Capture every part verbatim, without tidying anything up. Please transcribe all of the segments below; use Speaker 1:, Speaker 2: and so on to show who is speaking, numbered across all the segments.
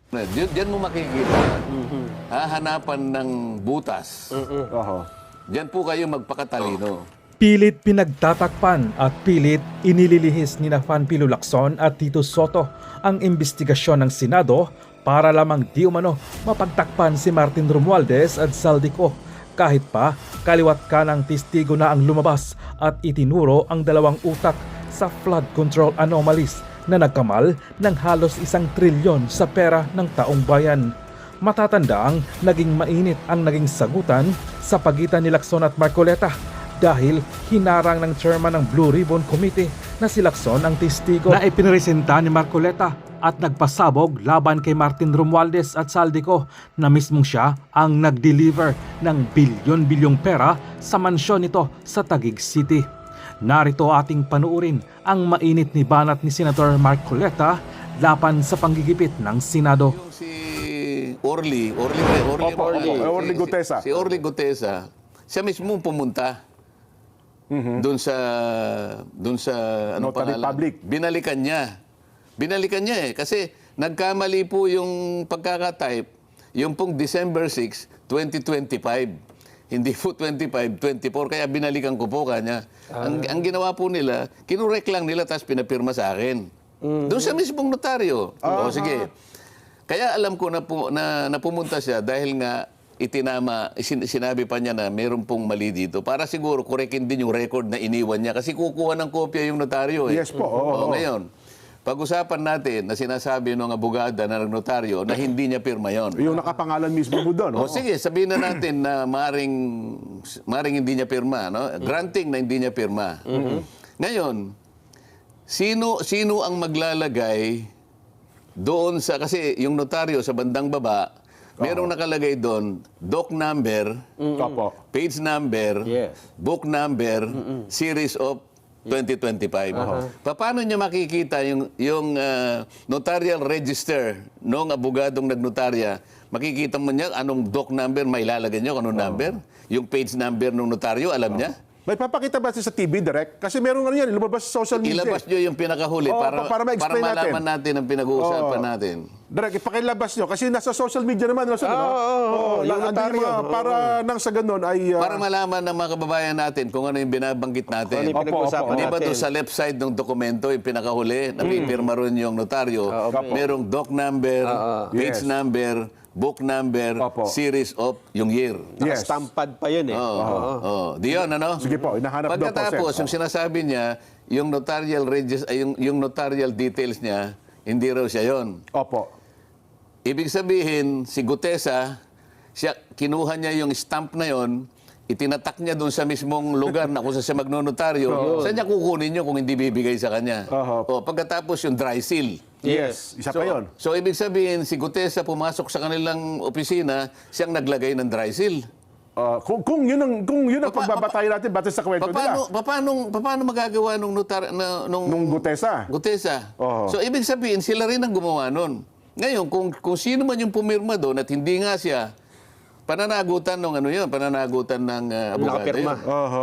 Speaker 1: Diyan, diyan mo makikita, hahanapan ng butas.
Speaker 2: Oho.
Speaker 1: Diyan po kayo magpakatalino.
Speaker 3: Pilit pinagtatakpan at pilit inililihis ni na Fanpilo Lacson at Tito Soto ang investigasyon ng Senado para lamang di umano mapagtakpan si Martin Romualdez at Saldico. Kahit pa kaliwat kanang testigo na ang lumabas at itinuro ang dalawang utak sa flood control anomalies na nagkamal ng halos isang trilyon sa pera ng taong bayan. Matatandaang naging mainit ang naging sagutan sa pagitan ni Lacson at Marcoleta dahil hinarang ng chairman ng Blue Ribbon Committee na si Lacson ang testigo na ipinresenta ni Marcoleta at nagpasabog laban kay Martin Romualdez at Saldico na mismong siya ang nag-deliver ng bilyon-bilyong pera sa mansyon nito sa Taguig City. Narito ating panuurin ang mainit ni banat ni Senator Marcoleta laban sa panggigipit ng Senado.
Speaker 1: Yung si Orly, Orly, Orly,
Speaker 2: Opo,
Speaker 1: Orly,
Speaker 2: opo, Orly Gutesa.
Speaker 1: Si, si Orly Gutesa, siya mismo pumunta doon sa doon sa ano
Speaker 2: Notary
Speaker 1: pangalan?
Speaker 2: public.
Speaker 1: Binalikan niya. Binalikan niya eh kasi nagkamali po yung pagkaka-type yung pong December sixth, twenty twenty-five. Hindi po twenty-five, twenty-four kaya binalikan ko po kanya. Ang, ang ginawa po nila, kinurek lang nila tapos pinapirma sa akin. Doon sa mismong notaryo. O sige. Kaya alam ko na, pu- na, na pumunta siya dahil nga itinama, sin- sinabi pa niya na mayroon pong mali dito. Para siguro korekin din yung record na iniwan niya kasi kukuha ng kopya yung notaryo. Eh.
Speaker 2: Yes po, oo.
Speaker 1: O, ngayon, pag-usapan natin na sinasabi ng abogada na notaryo na hindi niya pirma yon.
Speaker 2: Yung nakapangalan mismo mo doon.
Speaker 1: O sige, sabihin na natin na maring, maring hindi niya pirma. No? Granting na hindi niya pirma. Ngayon, sino, sino ang maglalagay doon sa, kasi yung notaryo sa bandang baba, merong nakalagay doon, doc number,
Speaker 2: Opo.
Speaker 1: page number,
Speaker 4: Yes.
Speaker 1: book number, series of twenty twenty-five. Paano niya makikita yung, yung ah, notarial register ng abogadong nagnotarya? Makikita mo niya anong doc number, may ilalagay niyo anong number? Yung page number ng notaryo, alam niya?
Speaker 2: May papakita ba siya sa T V direct? Kasi meron nga yan, lumabas sa social media.
Speaker 1: Ilabas niyo yung pinakahuli
Speaker 2: Oo,
Speaker 1: para,
Speaker 2: pa- para ma-explain natin.
Speaker 1: malaman natin ang pinag-uusapan
Speaker 2: Oo.
Speaker 1: natin.
Speaker 2: Direct, ipakilabas nyo. Kasi nasa social media naman. Nasa,
Speaker 4: Oo, oo, oo.
Speaker 2: yung
Speaker 4: Yung notaryo.
Speaker 2: Para nang sa ganun ay... ah,
Speaker 1: Para malaman ng mga kababayan natin kung ano yung binabanggit natin.
Speaker 4: Ano yung pinag-usapan
Speaker 1: Di ba
Speaker 4: natin?
Speaker 1: doon sa left side ng dokumento, yung pinakahuli, na may pirma rin yung notaryo, merong doc number, page
Speaker 2: Yes.
Speaker 1: number, book number,
Speaker 2: Opo.
Speaker 1: series of yung year.
Speaker 2: Yes.
Speaker 4: Nakastampad pa yun eh.
Speaker 1: Oo. Oo. Di yun, ano?
Speaker 2: Sige po, hinahanap daw po,
Speaker 1: Pagkatapos,
Speaker 2: sir.
Speaker 1: yung sinasabi niya, yung notarial regis- ay, yung, yung notarial details niya, hindi raw siya yon.
Speaker 2: Opo.
Speaker 1: Ibig sabihin, si Gutesa, siya, kinuha niya yung stamp na yon, itinatak niya doon sa mismong lugar na kung saan siya magnonotaryo, saan niya kukunin niyo kung hindi bibigay sa kanya?
Speaker 2: Oho.
Speaker 1: O, pagkatapos yung dry seal.
Speaker 2: Yes. Isa
Speaker 1: So,
Speaker 2: pa yun.
Speaker 1: so, ibig sabihin, si Gutesa pumasok sa kanilang opisina, siyang naglagay ng dry seal.
Speaker 2: Ah, kung, kung yun ang, kung yun ang
Speaker 1: Pa- pa-
Speaker 2: pagbabatayan natin batay sa kwento
Speaker 1: Paano,
Speaker 2: nila.
Speaker 1: paano, paano magagawa nung notar, na, nung,
Speaker 2: Nung Gutesa.
Speaker 1: Gutesa.
Speaker 2: Oho.
Speaker 1: So, ibig sabihin, sila rin ang gumawa nun. Ngayon, kung, kung sino man yung pumirma doon at hindi nga siya, pananagutan ng ano yun, pananagutan ng uh, abogado
Speaker 4: Nakapirma.
Speaker 1: yun.
Speaker 2: Oho.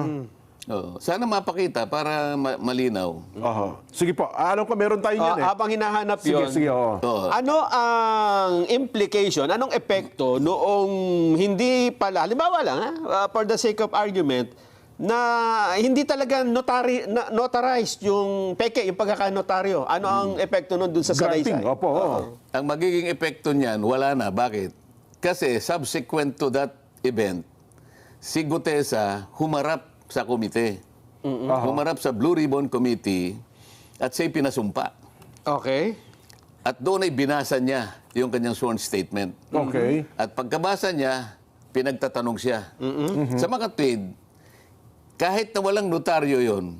Speaker 1: Oo. Sana mapakita para ma- malinaw.
Speaker 2: Oho. Sige po. Alam ko meron tayo
Speaker 4: Ah,
Speaker 2: yan eh.
Speaker 4: habang hinahanap
Speaker 2: Sige,
Speaker 4: yun,
Speaker 2: sige. Oo.
Speaker 1: Oo.
Speaker 4: ano ang implication, anong epekto noong hindi pala, halimbawa lang, ha, uh, for the sake of argument, na hindi talaga notary, na, notarized yung peke, yung pagkakanotaryo. Ano ang epekto nun dun sa
Speaker 2: Granting.
Speaker 4: salaysay?
Speaker 2: Opo. oo.
Speaker 1: Ang magiging epekto niyan, wala na. Bakit? Kasi subsequent to that event, si Gutesa humarap sa komite. Humarap sa Blue Ribbon Committee at siya'y pinasumpa.
Speaker 4: Okay.
Speaker 1: At doon ay binasa niya yung kanyang sworn statement.
Speaker 2: Okay.
Speaker 1: At pagkabasa niya, pinagtatanong siya. Sa mga tweed, kahit na walang notaryo yon,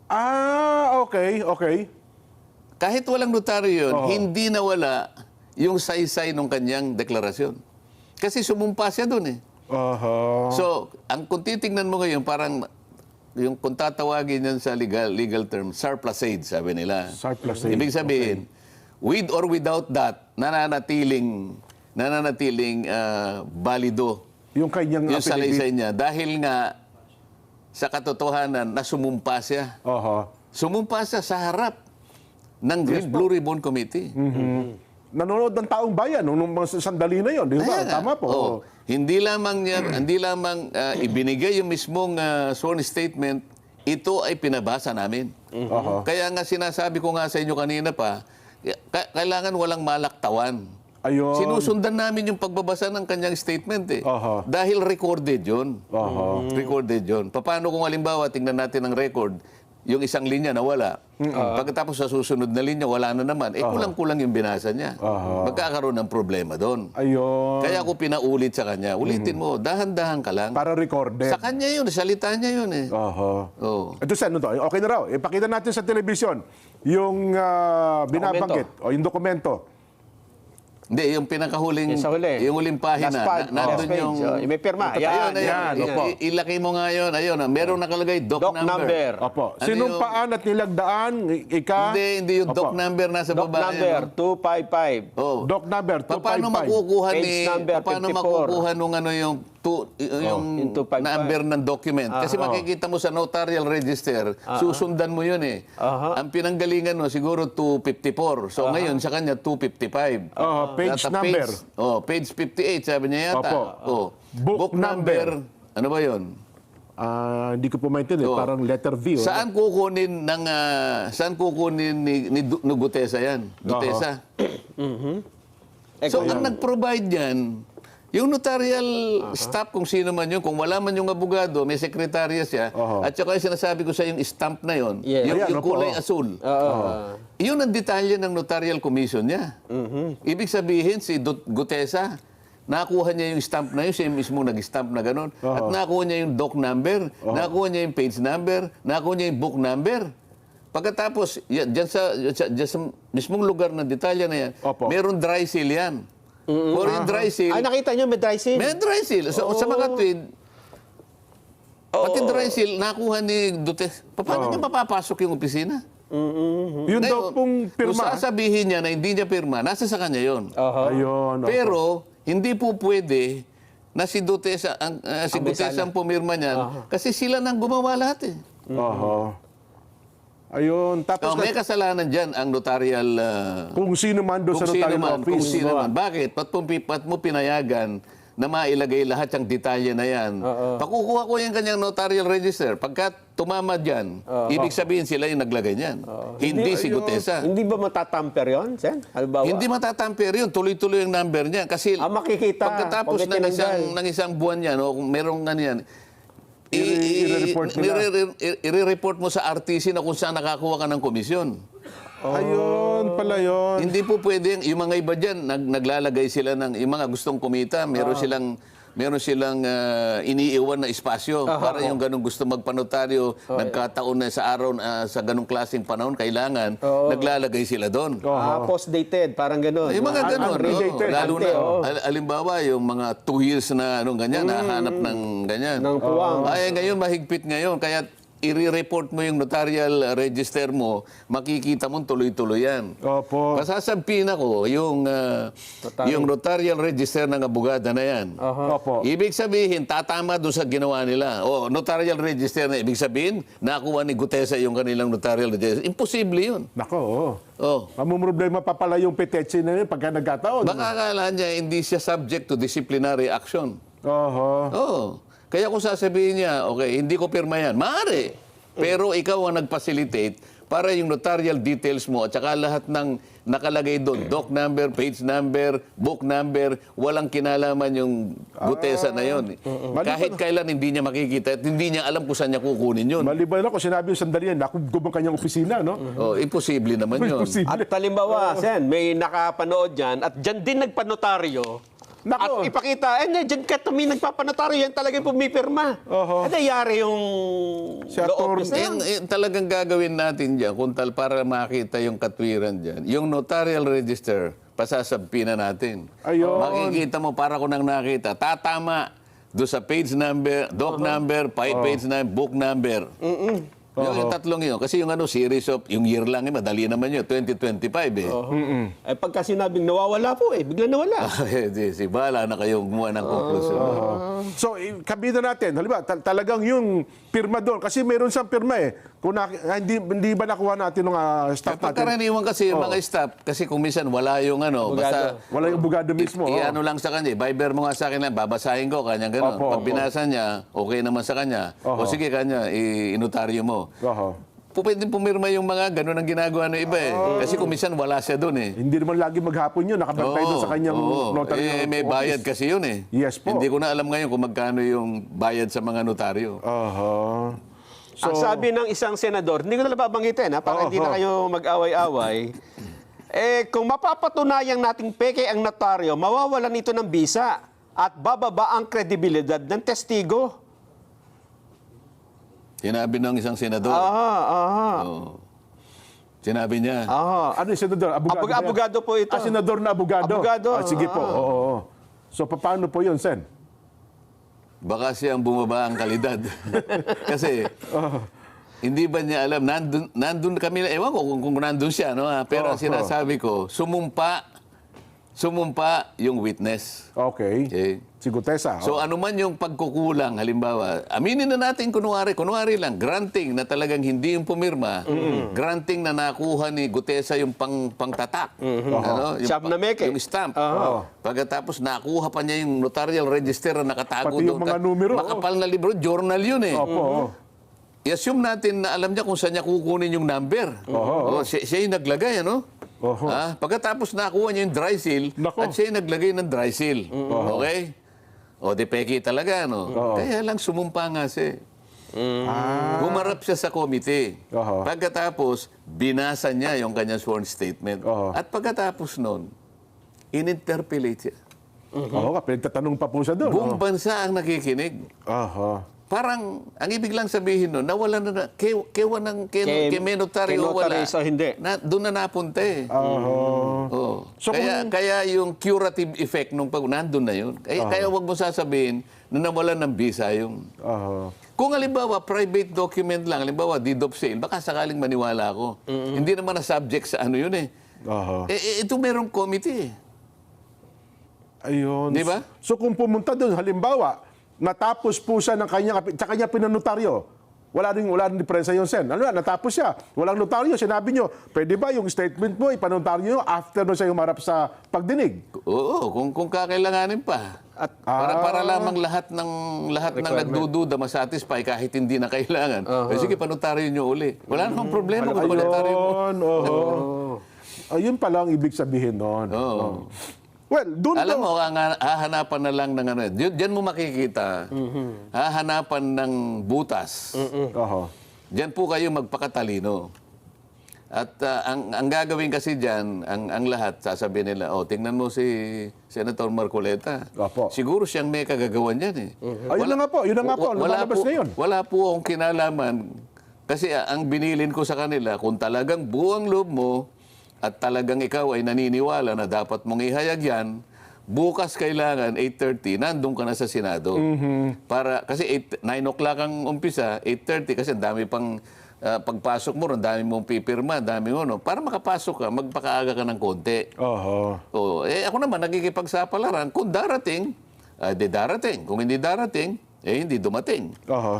Speaker 2: Ah, okay. Okay.
Speaker 1: kahit walang notaryo yon,
Speaker 2: Oo.
Speaker 1: hindi nawala yung saysay ng kanyang deklarasyon. Kasi sumumpa siya doon eh.
Speaker 2: Oho.
Speaker 1: So, ang kung titingnan mo ngayon, parang yung kung tatawagin yan sa legal legal term, surplusage, sabi nila.
Speaker 2: Surplusage,
Speaker 1: Ibig sabihin, with or without that, nananatiling nananatiling ah, balido
Speaker 2: Yung kanyang
Speaker 1: yung
Speaker 2: affidavit.
Speaker 1: salaysay niya dahil nga sa katotohanan na sumumpa siya.
Speaker 2: Oho.
Speaker 1: Sumumpa siya sa harap ng Blue Ribbon Committee.
Speaker 2: nanonood ng taong bayan nung, nung mga sandali na yon, di ba?
Speaker 1: Kaya nga.
Speaker 2: Tama po.
Speaker 1: Oo. Hindi lamang niya, hindi lamang ah, ibinigay yung mismong ah, sworn statement, ito ay pinabasa namin.
Speaker 2: Oho.
Speaker 1: Kaya nga sinasabi ko nga sa inyo kanina pa, ka- kailangan walang malaktawan.
Speaker 2: Ayun.
Speaker 1: Sinusundan namin yung pagbabasa ng kanyang statement eh.
Speaker 2: Oho.
Speaker 1: Dahil recorded yun.
Speaker 2: Oho.
Speaker 1: Recorded yun. Paano kung halimbawa, tingnan natin ang record, yung isang linya nawala. Pagkatapos sa susunod na linya, wala na naman. Eh, kulang-kulang yung binasa niya. Magkakaroon ng problema doon.
Speaker 2: Ayun.
Speaker 1: Kaya ako pinaulit sa kanya, ulitin mo, dahan-dahan ka lang.
Speaker 2: Para recorded.
Speaker 1: Sa kanya yun, salita niya yun eh.
Speaker 2: Oho.
Speaker 1: Oo.
Speaker 2: Ito sa ano to? Okay na raw. Ipakita natin sa telebisyon yung ah, binabanggit o yung dokumento.
Speaker 1: Hindi, yung pinakahuling,
Speaker 4: Yung sa huli.
Speaker 1: yung huling pahina,
Speaker 4: Last page.
Speaker 1: na, nandun
Speaker 4: Last page.
Speaker 1: yung...
Speaker 4: Oh, may pirma.
Speaker 1: Ayun,
Speaker 4: Yan,
Speaker 1: ayun,
Speaker 2: yan,
Speaker 1: ayun.
Speaker 2: opo.
Speaker 1: I- ilaki mo nga yun. Ayun, ah, meron nakalagay doc,
Speaker 4: Doc number.
Speaker 2: Opo.
Speaker 1: Ano
Speaker 2: Sinumpaan at nilagdaan, i- ika...
Speaker 1: Hindi, hindi yung doc
Speaker 2: Opo.
Speaker 1: number nasa
Speaker 4: Doc
Speaker 1: baba.
Speaker 4: number
Speaker 1: yan,
Speaker 4: two five five.
Speaker 1: oh.
Speaker 2: Doc number two
Speaker 1: Pa- Paano
Speaker 2: five five.
Speaker 1: makukuha
Speaker 4: Page
Speaker 1: ni
Speaker 4: number
Speaker 1: paano
Speaker 4: fifty-four.
Speaker 1: makukuha nung ano yung tu, yung
Speaker 4: yung two five five.
Speaker 1: number ng document kasi makikita mo sa notarial register susundan mo yun eh.
Speaker 4: Aha.
Speaker 1: Ang pinanggalingan mo siguro two fifty-four. So ngayon sa kanya two fifty-five.
Speaker 2: Oho, page
Speaker 1: Data
Speaker 2: number.
Speaker 1: Page, oh, page fifty-eight sabi niya yata.
Speaker 2: Opo.
Speaker 1: Oh.
Speaker 2: Book
Speaker 1: number. Ano ba 'yon?
Speaker 2: Ah, hindi ko po maintindihan.
Speaker 1: Oo.
Speaker 2: Parang letter V. oh.
Speaker 1: Saan kukunin ng ah, saan kukunin ni, ni, Du- ni Gutesa yan? Gutesa. So ang nag-provide yan, yung notarial staff kung sino man yun, kung wala man yung abogado, may sekretarya siya,
Speaker 2: Oho.
Speaker 1: at saka yung sinasabi ko sa yung stamp na yun,
Speaker 4: Yes.
Speaker 1: yung,
Speaker 2: Ayan,
Speaker 1: yung
Speaker 2: opo.
Speaker 1: kulay asul.
Speaker 4: Uh,
Speaker 1: Yun ang detalye ng notarial commission niya. Ibig sabihin, si Dut- Gutesa, nakuha niya yung stamp na yun, siya mismo nag-stamp na gano'n. At nakuha niya yung doc number, nakuha niya yung page number, nakuha niya yung book number. Pagkatapos, yan, dyan, sa, dyan, dyan sa mismong lugar ng detalye na yan,
Speaker 2: Opo.
Speaker 1: meron dry seal yan. Or yung dry seal,
Speaker 4: ay, nakita nyo, may dry seal.
Speaker 1: may dry seal. So, sa mga tweed, pati dry seal, nakuha ni Duterte. Paano niya mapapasok yung opisina?
Speaker 2: Yun daw
Speaker 1: Ngayon,
Speaker 2: pong
Speaker 1: kung
Speaker 2: pirma.
Speaker 1: sasabihin niya na hindi niya pirma, nasa sa kanya yun.
Speaker 4: Aha.
Speaker 2: Ayun. opo.
Speaker 1: Pero, hindi po pwede na si Duterte, ang, ah, si
Speaker 4: Ang may
Speaker 1: Duterte
Speaker 4: sala.
Speaker 1: ang pumirma niyan. Kasi sila nang gumawa lahat eh.
Speaker 2: Oho. Ayun. Tapos
Speaker 1: Oh, may kasalanan dyan ang notarial... ah,
Speaker 2: kung sino man doon
Speaker 1: kung
Speaker 2: sa
Speaker 1: sino
Speaker 2: notarial
Speaker 1: man, kung
Speaker 2: office.
Speaker 1: sino man. Bakit? Ba't mo, ba't mo pinayagan na mailagay lahat yung detalye na yan? Pakukuha ko yung kanyang notarial register. Pagka tumama dyan, ibig sabihin sila yung naglagay niyan. Hindi si Gutesa.
Speaker 4: Hindi ba matatamper yun, Sen? Halimbawa?
Speaker 1: Hindi matatamper yun. Tuloy-tuloy yung number niya. Kasi
Speaker 4: Ah, makikita.
Speaker 1: pagkatapos
Speaker 4: Pag
Speaker 1: ng isang,
Speaker 4: tinanggal.
Speaker 1: ng isang buwan yan, o kung merong ano yan, i-
Speaker 2: I-
Speaker 1: i-
Speaker 2: i-report nila.
Speaker 1: nire- i- i-report mo sa R T C na kung saan nakakuha ka ng komisyon.
Speaker 2: Ayun pala yun.
Speaker 1: Hindi po pwede, yung mga iba dyan, nag, naglalagay sila ng, yung mga gustong kumita, meron silang, meron silang ah, iniiwan na espasyo para yung ganong gusto magpanotaryo, nagkataon na sa araw, ah, sa ganong klaseng panahon, kailangan, naglalagay sila doon.
Speaker 4: Ah, post-dated, parang gano'n.
Speaker 1: Yung mga
Speaker 2: Un-
Speaker 1: ganon,
Speaker 2: unrelated.
Speaker 1: no? Lalo na,
Speaker 4: Ante, oo.
Speaker 1: al- alimbawa, yung mga two years na anong ganyan, nahanap ng ganyan.
Speaker 4: Ng puwang.
Speaker 1: Ay, ngayon, mahigpit ngayon, kaya i-report mo yung notarial register mo, makikita mo tuloy-tuloy yan.
Speaker 2: Opo.
Speaker 1: Pasasabihin ako, yung, ah, yung notarial register ng abogada na yan.
Speaker 2: Opo.
Speaker 1: Ibig sabihin, tatama doon sa ginawa nila. O, notarial register na, ibig sabihin, nakuha ni Gutesa yung kanilang notarial register. Imposible yun.
Speaker 2: Nako, oo.
Speaker 1: Oh.
Speaker 2: Mamumroblema pa pala yung petetsy na yun pagka nagkataon.
Speaker 1: Baka akala niya hindi siya subject to disciplinary action.
Speaker 2: Oho.
Speaker 1: Oo. Kaya kung sasabihin niya, okay, hindi ko pirma yan, maaari. Pero ikaw ang nag-facilitate para yung notarial details mo at saka lahat ng nakalagay doon, doc number, page number, book number, walang kinalaman yung Gutesa na yun. Kahit kailan hindi niya makikita at hindi niya alam kung saan niya kukunin yun.
Speaker 2: Maliban ako, sinabi yung sandali yan, nakugub ang kanyang opisina, no?
Speaker 1: Oh, imposible naman yun.
Speaker 2: Imposible.
Speaker 4: At halimbawa, Sen, may nakapanood dyan at dyan din nagpanotaryo.
Speaker 2: Nako.
Speaker 4: At ipakita, eh, na, dyan ka tumi nagpapanotaryo, yan talaga yung pumipirma.
Speaker 2: Oho.
Speaker 4: At nangyari yung
Speaker 2: Si
Speaker 4: law
Speaker 2: Atty.
Speaker 4: office na yan.
Speaker 1: Yung, yung talagang gagawin natin dyan, kung tal para makita yung katwiran dyan, yung notarial register, pasasabpi na natin.
Speaker 2: Ayun.
Speaker 1: Makikita mo, para ko nang nakita, tatama do sa page number, doc number, pa- page number, book number. Yung, yung tatlong yun. Kasi yung ano, series of, yung year lang, eh, madali naman yun, twenty twenty-five eh.
Speaker 4: Eh, pagka sinabing nawawala po, eh, bigla nawala.
Speaker 1: Eh, di, si Bala na kayong gumawa ng konklusyon.
Speaker 2: So, i- kabida natin, halimbawa, tal- talagang yung pirma doon, kasi meron siyang pirma eh. Kung na, ah, hindi, hindi ba nakuha natin ng uh, staff natin?
Speaker 1: Pagkaraniwan kasi yung mga staff, kasi kung minsan wala yung ano, basta
Speaker 2: Wala yung bugado mismo.
Speaker 1: i-
Speaker 2: oh.
Speaker 1: ano lang sa kanya, Viber mo nga sa akin lang, babasahin ko, kanya gano'n.
Speaker 2: Opo,
Speaker 1: Pag
Speaker 2: opo.
Speaker 1: binasa niya, okay naman sa kanya.
Speaker 2: Oho.
Speaker 1: O sige kanya, i- inotaryo mo.
Speaker 2: Oho.
Speaker 1: Po, pwede pumirma yung mga gano'n ang ginagawa ng iba eh. Kasi kung minsan wala siya doon eh.
Speaker 2: Hindi naman lagi maghapon yun, nakabantay doon sa kanyang
Speaker 1: oo.
Speaker 2: notary.
Speaker 1: Eh, may
Speaker 2: office.
Speaker 1: bayad kasi yun eh.
Speaker 2: Yes po.
Speaker 1: Hindi ko na alam ngayon kung magkano yung bayad sa mga notaryo.
Speaker 2: Oho.
Speaker 4: Ang sabi ng isang senador, hindi ko na babanggitin ha, para
Speaker 2: Oo,
Speaker 4: hindi na
Speaker 2: oo.
Speaker 4: kayo mag-away-away. Eh, kung mapapatunayang nating peke ang notaryo, mawawalan ito ng bisa at bababa ang kredibilidad ng testigo.
Speaker 1: Sinabi ng isang senador.
Speaker 4: Aha, aha.
Speaker 1: Oo. Sinabi niya.
Speaker 4: Aha.
Speaker 2: Ano yung senador? Abogado,
Speaker 4: Abog-
Speaker 2: ba yan?
Speaker 4: abogado po ito.
Speaker 2: Ah, senador na abogado?
Speaker 4: Abogado,
Speaker 2: Ah, sige po.
Speaker 4: ah.
Speaker 2: Oo, oo. So, paano po yun, Sen?
Speaker 1: Baka siyang bumaba ang kalidad. Kasi, hindi ba niya alam, nandun, nandun kami, ewan ko kung, kung nandun siya, no? ah, pero ang
Speaker 2: Oh,
Speaker 1: sinasabi ko, sumumpa, sumumpa yung witness.
Speaker 2: Okay.
Speaker 1: Okay?
Speaker 2: Si Gutesa.
Speaker 1: So
Speaker 2: oh.
Speaker 1: ano man yung pagkukulang, halimbawa, aminin na natin kunwari, kunwari lang, granting na talagang hindi yung pumirma, granting na nakuha ni Gutesa yung pang, pangtatak. Ano? Yung,
Speaker 4: Siyam na meke.
Speaker 1: yung stamp.
Speaker 2: Oo.
Speaker 1: Pagkatapos nakuha pa niya yung notarial register na nakatago
Speaker 2: Pati yung
Speaker 1: doon.
Speaker 2: mga numero,
Speaker 1: Makapal na libro, journal yun eh.
Speaker 2: Opo. oo.
Speaker 1: I-assume natin na alam niya kung saan niya kukunin yung number.
Speaker 2: Oo.
Speaker 1: Oh, siya, siya yung naglagay, ano?
Speaker 2: Oho.
Speaker 1: Ah, pagkatapos nakuha niya yung dry seal,
Speaker 2: Nako.
Speaker 1: at siya yung naglagay ng dry seal. Okay? O, di peki talaga, no?
Speaker 2: Oo.
Speaker 1: Kaya lang sumumpa nga siya.
Speaker 2: Ah.
Speaker 1: Humarap siya sa komite.
Speaker 2: Oho.
Speaker 1: Pagkatapos, binasa niya yung kanyang sworn statement.
Speaker 2: Oho.
Speaker 1: At pagkatapos nun, in-interpellate siya.
Speaker 2: Oo nga, pinagtatanong pa po siya doon.
Speaker 1: Buong bansa ang nakikinig.
Speaker 2: Aha.
Speaker 1: Parang, ang ibig lang sabihin nun, nawala na na, ke, kewa ng, ke,
Speaker 4: Ke-
Speaker 1: ke, menotaryo
Speaker 4: ke
Speaker 1: wala.
Speaker 4: notaryo sa hindi.
Speaker 1: Na, doon na napunta eh.
Speaker 2: Aha.
Speaker 1: Oo.
Speaker 2: So
Speaker 1: kaya,
Speaker 2: kung-
Speaker 1: kaya yung curative effect nung pag nandun na yun. Kaya, kaya wag mo sasabihin na nawalan ng visa yung...
Speaker 2: Aha.
Speaker 1: Kung halimbawa, private document lang, halimbawa, deed of sale, baka sakaling maniwala ako. Hindi naman na subject sa ano yun eh.
Speaker 2: Aha.
Speaker 1: Eh, eh, ito merong committee eh.
Speaker 2: Ayun.
Speaker 1: Di ba?
Speaker 2: So kung pumunta doon, halimbawa, natapos po siya ng kanya, sa kanya pinanotaryo, wala rin, wala rin diferensya yun, Sen. Ano na, natapos siya. Walang notaryo. Sinabi nyo, pwede ba yung statement mo, ipanotaryo nyo after no siya humarap sa pagdinig?
Speaker 1: Oo, kung, kung kakailanganin pa. At para, para lamang lahat ng lahat ng nagdududa masatisfy kahit hindi na kailangan. Eh, sige, panotaryo nyo uli. Wala namang problema kung panotaryo mo.
Speaker 2: Ayun, oo. Ayun pala ang ibig sabihin noon.
Speaker 1: Oo.
Speaker 2: Well, doon
Speaker 1: Alam
Speaker 2: daw-
Speaker 1: mo, ang hahanapan na lang ng ano, diyan diyan mo makikita, hahanapan ng butas.
Speaker 2: Oho.
Speaker 1: Diyan po kayo magpakatalino. At ah, ang, ang gagawin kasi diyan, ang, ang lahat, sasabihin nila, oh, tingnan mo si Senator Marcoleta.
Speaker 2: Opo.
Speaker 1: Siguro siyang may kagagawan yan eh.
Speaker 2: Ayun na nga po, yun na nga po,
Speaker 1: Wala
Speaker 2: lumalabas
Speaker 1: po,
Speaker 2: ngayon.
Speaker 1: wala po akong kinalaman. Kasi ah, ang binilin ko sa kanila, kung talagang buong loob mo, at talagang ikaw ay naniniwala na dapat mong ihayag yan, bukas kailangan eight thirty, nandun ka na sa Senado. Para, kasi eight, nine o'clock ang umpisa, eight thirty, kasi ang dami pang ah, pagpasok mo, ang dami mong pipirma, ang dami mo, no? Para makapasok ka, magpakaaga ka ng konti.
Speaker 2: Oho.
Speaker 1: Oh, eh ako naman, nakikipagsapalaran. Kung darating, ah, di darating. Kung hindi darating, eh hindi dumating.
Speaker 2: Oho.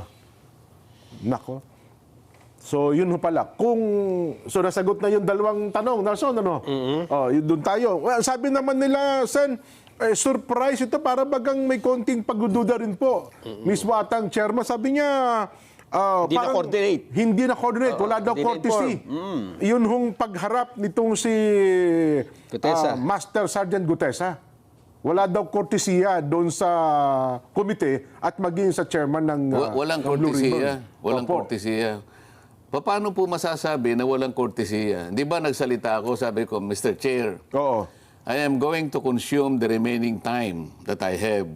Speaker 2: Nako. So, yun ho pala. Kung, so nasagot na yung dalawang tanong, Nelson, ano? Oh, yun doon tayo. Well, sabi naman nila, Sen, eh, surprise ito, para bagang may konting pagdududa rin po. Mismo atang chairman, sabi niya, ah,
Speaker 4: Hindi
Speaker 2: parang
Speaker 4: na-coordinate.
Speaker 2: Hindi na-coordinate. Wala daw
Speaker 4: hindi
Speaker 2: courtesy. Yun hong pagharap nitong si
Speaker 4: Gutesa.
Speaker 2: ah, Master Sergeant Gutesa. Wala daw kortesiya doon sa komite at maging sa chairman ng ah,
Speaker 1: Wa- walang
Speaker 2: ng Blue
Speaker 1: kortesiya.
Speaker 2: Ribbon.
Speaker 1: Walang
Speaker 2: Opo.
Speaker 1: kortesiya. Pa- Paano po masasabi na walang kortesiya? Di ba nagsalita ako, sabi ko, Mister Chair,
Speaker 2: Oo.
Speaker 1: I am going to consume the remaining time that I have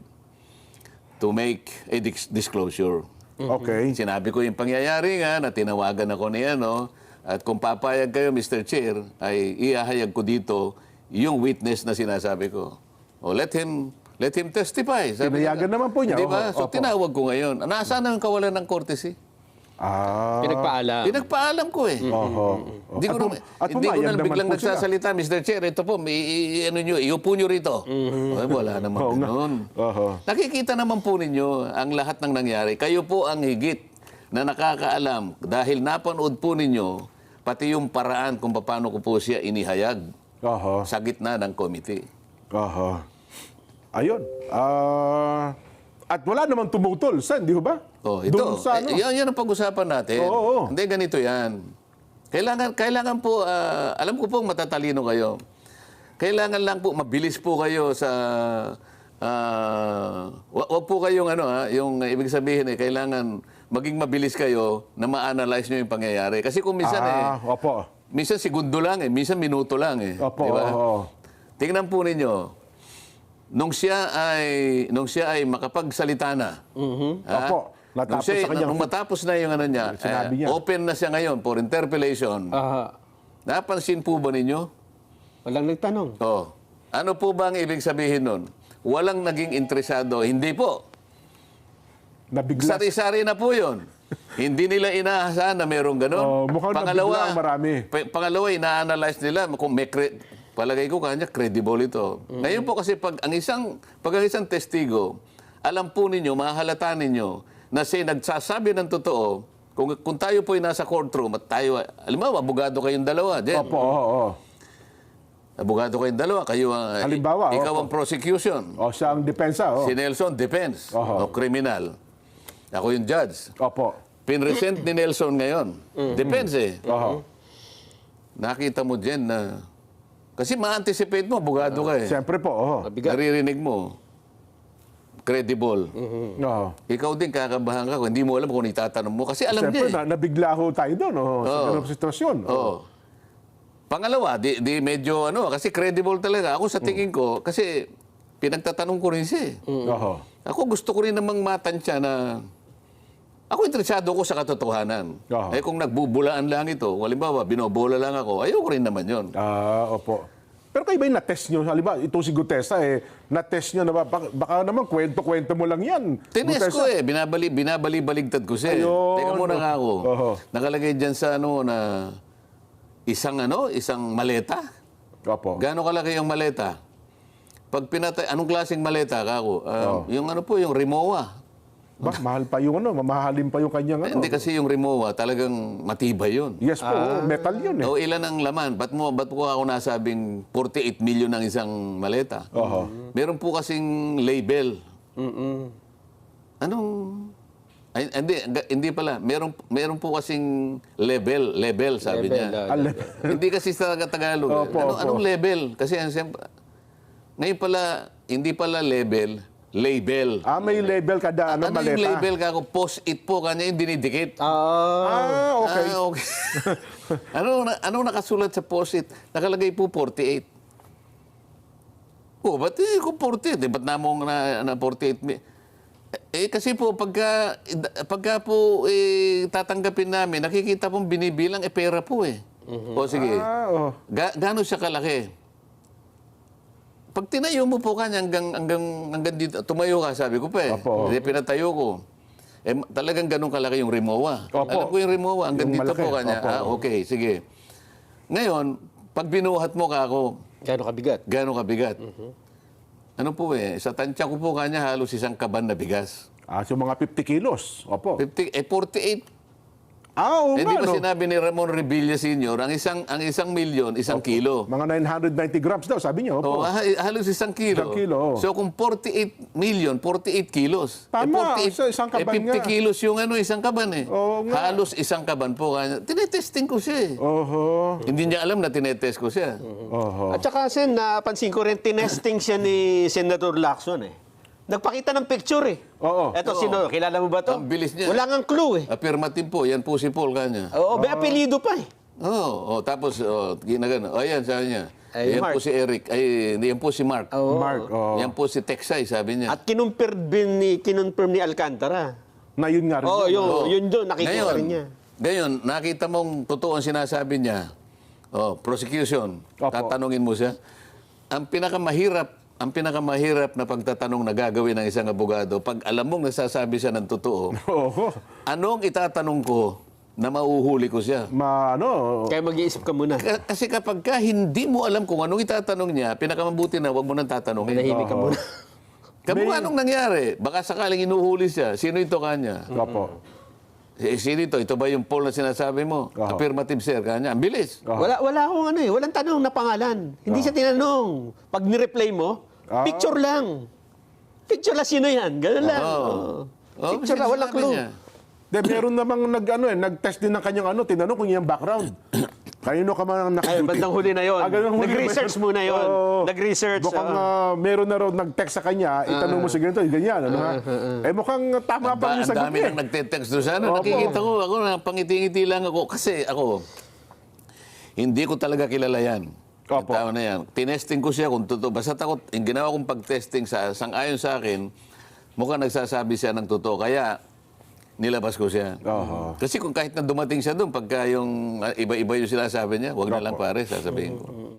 Speaker 1: to make a dis- disclosure.
Speaker 2: Okay.
Speaker 1: Sinabi ko yung pangyayari nga na tinawagan ako ni ano, at kung papayag kayo, Mister Chair, ay iahayag ko dito yung witness na sinasabi ko. O let him let him testify. Sabi
Speaker 2: Tinayagan
Speaker 1: niya.
Speaker 2: naman po niya.
Speaker 1: Di ba?
Speaker 2: Oho,
Speaker 1: So
Speaker 2: opo.
Speaker 1: tinawag ko ngayon. Nasaan na yung kawalan ng courtesy?
Speaker 2: Ah.
Speaker 4: Pinagpaalam.
Speaker 1: Pinagpaalam ko eh.
Speaker 2: Oho.
Speaker 1: Hindi ko
Speaker 2: At
Speaker 1: na,
Speaker 2: pum- at
Speaker 1: hindi ko
Speaker 2: pumayag
Speaker 1: na
Speaker 2: naman
Speaker 1: biglang
Speaker 2: po sila.
Speaker 1: nagsasalita, Mister Chair, ito po, may, i- i- ano nyo, iupo nyo rito. Ay, wala naman
Speaker 2: Oo nga.
Speaker 1: ganun.
Speaker 2: Oho.
Speaker 1: Nakikita naman po ninyo ang lahat ng nangyari. Kayo po ang higit na nakakaalam dahil napanood po ninyo pati yung paraan kung paano ko po siya inihayag
Speaker 2: Oho.
Speaker 1: sa gitna ng committee.
Speaker 2: Oho. Ayun. Ah, at wala namang tumutol, Sen, di ba?
Speaker 1: Oh, ito.
Speaker 2: Doon sa ano?
Speaker 1: Eh, yan, yan ang pag-usapan natin.
Speaker 2: Oo, oo.
Speaker 1: Hindi, ganito yan. Kailangan, kailangan po, ah, alam ko po matatalino kayo. Kailangan lang po, mabilis po kayo sa, ah, wa- wag po kayong ano ha, yung ibig sabihin eh, kailangan maging mabilis kayo na ma-analyze nyo yung pangyayari. Kasi kung minsan
Speaker 2: ah,
Speaker 1: eh,
Speaker 2: opo.
Speaker 1: minsan segundo lang eh, minsan minuto lang eh.
Speaker 2: Opo,
Speaker 1: Di ba?
Speaker 2: oo.
Speaker 1: Tingnan po ninyo, nung siya ay nung siya ay makapagsalita na. ha?
Speaker 2: Opo, natapos
Speaker 1: nung, siya,
Speaker 2: sa kanyang-
Speaker 1: nung matapos na yung ano niya,
Speaker 2: Sinabi
Speaker 1: eh,
Speaker 2: niya.
Speaker 1: open na siya ngayon for interpellation.
Speaker 4: Aha.
Speaker 1: Napansin po ba ninyo?
Speaker 4: Walang nagtanong.
Speaker 1: Oh. Ano po ba ang ibig sabihin nun? Walang naging interesado. Hindi po.
Speaker 2: Nabigla.
Speaker 1: Sari-sari na po yun. Hindi nila inaasahan na merong ganun.
Speaker 2: Oh, mukhang nabigla ang marami.
Speaker 1: pa- pangalawa, ina-analyze nila kung may cre- palagay ko kanya credible ito. Ngayon po kasi pag ang isang pag ang isang testigo, alam po ninyo, mahalata ninyo na siya nagsasabi ng totoo. Kung, kung tayo po ay nasa courtroom at tayo, alam mo, abogado kayong dalawa, Jen.
Speaker 2: Opo, oo, oo.
Speaker 1: Abogado kayong dalawa, kayo ang,
Speaker 2: Halimbawa,
Speaker 1: ikaw
Speaker 2: opo.
Speaker 1: ang prosecution.
Speaker 2: O, siya ang depensa, oh.
Speaker 1: Si Nelson, defense.
Speaker 2: Oho.
Speaker 1: O criminal. Ako yung judge.
Speaker 2: Opo.
Speaker 1: Pinresent ni Nelson ngayon. Depends eh.
Speaker 2: Oho.
Speaker 1: Nakita mo dyan na... Kasi ma-anticipate mo, abogado ka eh.
Speaker 2: Siyempre po, oo.
Speaker 4: Mabigat.
Speaker 1: Naririnig mo. Credible.
Speaker 2: Oo.
Speaker 1: Ikaw din kakabahan ka kung hindi mo alam kung itatanong mo. Kasi alam
Speaker 2: Siyempre,
Speaker 1: niya eh.
Speaker 2: na, nabigla ho tayo doon, oh, sa
Speaker 1: Oo.
Speaker 2: ganung sitwasyon.
Speaker 1: Oo. Pangalawa, di, di medyo ano, kasi credible talaga. Ako sa tingin ko, kasi pinagtatanong ko rin siya eh.
Speaker 2: Oho.
Speaker 1: Ako gusto ko rin namang matansya na ako interesado ko sa katotohanan.
Speaker 2: Oo.
Speaker 1: Eh kung nagbubulaan lang ito, halimbawa, binobola lang ako, ayoko rin naman yon.
Speaker 2: Ah, opo. Pero kayo ba yung na-test nyo? Halimbawa, ito si Gutesa, eh, na-test nyo na ba? Baka, baka naman, kwento-kwento mo lang yan.
Speaker 1: Tinest ko
Speaker 2: Gutesa.
Speaker 1: eh, binabali, binabali-baligtad ko siya. eh.
Speaker 2: Ayun.
Speaker 1: Teka muna nga ako.
Speaker 2: Oo.
Speaker 1: Nakalagay dyan sa ano na isang ano, isang maleta.
Speaker 2: Opo.
Speaker 1: Gaano kalaki yung maleta? Pag pinatay, anong klaseng maleta kako? Ah,
Speaker 2: Oo.
Speaker 1: Yung ano po, yung Rimowa.
Speaker 2: Ba, mahal pa yung ano, mamahalin pa yung kanyang ano.
Speaker 1: Hindi kasi yung Rimowa, talagang matibay yun.
Speaker 2: Yes po, oo, metal yun eh.
Speaker 1: O ilan ang laman? Ba't mo, ba't ko ako nasabing forty-eight million ang isang maleta?
Speaker 2: Oho.
Speaker 1: Meron po kasing label.
Speaker 4: Mm-mm.
Speaker 1: Anong... Ay, hindi, ga- hindi pala. Meron, meron po kasing level, level sabi
Speaker 4: Level,
Speaker 1: niya.
Speaker 4: ah,
Speaker 2: Al-
Speaker 1: Hindi kasi sa Tagalog. eh.
Speaker 2: Opo,
Speaker 1: Ano,
Speaker 2: opo.
Speaker 1: Anong level? Kasi ang siyempre, ngayon pala, hindi pala level, label.
Speaker 2: ah, may label kada ano,
Speaker 1: ano
Speaker 2: maleta.
Speaker 1: yung label ka ako? Post-it po kanya yung dinidikit.
Speaker 4: Ah.
Speaker 2: Ah, okay.
Speaker 1: Ah, okay. ano, na- ano nakasulat sa post-it? Nakalagay po forty-eight. Oh, ba't eh, kung forty-eight? Eh, ba't namong na, na forty-eight? mi- Eh, kasi po, pagka, pagka po eh, tatanggapin namin, nakikita pong binibilang, eh, pera po eh. O sige,
Speaker 2: Ah, oh.
Speaker 1: Ga, gaano siya kalaki? Pag tinayo mo po kanya hanggang, hanggang, hanggang dito, tumayo ka, sabi ko pa eh.
Speaker 2: Opo.
Speaker 1: Hindi, pinatayo ko. Eh, ma- talagang ganun kalaki yung Rimowa.
Speaker 2: Opo.
Speaker 1: Alam ko yung Rimowa, hanggang
Speaker 2: Yung
Speaker 1: dito
Speaker 2: malaki.
Speaker 1: po kanya.
Speaker 2: Opo.
Speaker 1: Ah, okay, sige. Ngayon, pag binuhat mo ka ako,
Speaker 4: Gano'ng kabigat?
Speaker 1: gano'ng kabigat? Ano po eh, sa tansya ko po kanya halos isang kaban na bigas.
Speaker 2: Ah, so mga fifty kilos. Opo.
Speaker 1: fifty, eh, forty-eight.
Speaker 2: Ah, oo
Speaker 1: Eh,
Speaker 2: nga,
Speaker 1: di ba
Speaker 2: no?
Speaker 1: sinabi ni Ramon Revilla Senior, ang isang, ang isang milyon, isang kilo.
Speaker 2: Mga nine hundred ninety grams daw, sabi niyo.
Speaker 1: Oh,
Speaker 2: Opo.
Speaker 1: ha- halos isang kilo.
Speaker 2: Isang kilo, oh.
Speaker 1: So kung forty-eight million, forty-eight kilos.
Speaker 2: Tama,
Speaker 1: eh,
Speaker 2: sa isang kaban
Speaker 1: eh, fifty
Speaker 2: nga.
Speaker 1: kilos yung ano, isang kaban eh.
Speaker 2: Oo nga.
Speaker 1: Halos isang kaban po. kanya. Tinetesting ko siya eh.
Speaker 2: Oho.
Speaker 1: Hindi niya alam na tinetest ko siya.
Speaker 2: Oho.
Speaker 4: At saka, Sen, napansin ko rin, tinesting siya ni Senator Lacson eh. Nagpakita ng picture eh.
Speaker 2: Oo.
Speaker 4: Eto, sino? Kilala mo ba to?
Speaker 1: Ang bilis niya.
Speaker 4: Wala ngang clue eh.
Speaker 1: Affirmative po, yan po si Paul kanya.
Speaker 4: Oo, may apelido pa eh.
Speaker 1: Oo, oh, tapos oh, ginagano. Oh, yan, sabi niya.
Speaker 4: Ay,
Speaker 1: yan
Speaker 4: Mark.
Speaker 1: po si Eric. Ay, yan po si Mark.
Speaker 4: Oo.
Speaker 2: Mark, oh.
Speaker 1: Yan po si Texay, sabi niya.
Speaker 4: At kinumpir din ni, kinonfirm ni Alcantara.
Speaker 2: Na yun nga rin.
Speaker 4: Oo,
Speaker 2: yun.
Speaker 4: yun,
Speaker 1: Oo.
Speaker 4: yun doon, nakikita
Speaker 1: Ngayon,
Speaker 4: rin niya.
Speaker 1: Ngayon, nakita mong totoo ang sinasabi niya. Oh, prosecution.
Speaker 2: Opo.
Speaker 1: Tatanungin mo siya. Ang pinakamahirap ang pinakamahirap na pagtatanong na gagawin ng isang abogado, pag alam mong nasasabi siya ng totoo,
Speaker 2: Oo.
Speaker 1: anong itatanong ko na mauhuli ko siya?
Speaker 2: Ma, ano,
Speaker 4: Kaya mag-iisip ka muna.
Speaker 1: Ka- Kasi kapag ka hindi mo alam kung anong itatanong niya, pinakamabuti na huwag mo nang tatanungin.
Speaker 4: Manahimik ka
Speaker 2: Oo.
Speaker 4: muna.
Speaker 1: Kamukha anong nangyari? Baka sakaling inuhuli siya. Sino ito kanya?
Speaker 2: Opo.
Speaker 1: Eh, sino ito? Ito ba yung poll na sinasabi mo?
Speaker 2: Oo.
Speaker 1: Affirmative, sir. Kanya. Ang bilis.
Speaker 2: Oo.
Speaker 4: Wala wala akong ano eh, walang tanong na pangalan. Hindi siya tinanong. Pag ni-replay mo,
Speaker 2: Ah.
Speaker 4: picture lang. Picture lang sino yan. Ganun lang.
Speaker 1: Oo.
Speaker 4: Oo.
Speaker 1: Oo,
Speaker 4: Picture lang, walang
Speaker 1: sinasabi
Speaker 4: clue.
Speaker 1: niya.
Speaker 2: De, meron namang nag, ano, eh, nag-test din ng kanyang ano, tinanong kung yung background. Kanino ka man
Speaker 4: Ay,
Speaker 2: nakaduty?
Speaker 4: bandang huli na yon.
Speaker 2: Ah, ganun huli
Speaker 4: Nag-research
Speaker 2: ba yun?
Speaker 4: muna yon.
Speaker 2: Oo.
Speaker 4: Nag-research.
Speaker 2: Mukhang
Speaker 4: oo.
Speaker 2: ah, meron na raw nag-text sa kanya, itanong mo si ganito, ganyan, ano ha? Eh mukhang tama
Speaker 1: Ang
Speaker 2: pa
Speaker 1: da-
Speaker 2: yung
Speaker 1: ang
Speaker 2: sagot
Speaker 1: dami
Speaker 2: niya.
Speaker 1: nang nagte-text doon. Sana
Speaker 2: Opo.
Speaker 1: nakikita ko, ako na pangiti-ngiti lang ako. Kasi ako, hindi ko talaga kilala yan. Yung
Speaker 2: Opo.
Speaker 1: tao na yan. Tinesting ko siya kung totoo. Basta takot, yung ginawa kong pag-testing sa sang-ayon sa akin, mukhang nagsasabi siya ng totoo. Kaya, nilabas ko siya.
Speaker 2: Oho.
Speaker 1: Kasi kung kahit na dumating siya doon, pagka yung ah, iba-iba yung sinasabi niya, wag na lang pare, sasabihin ko.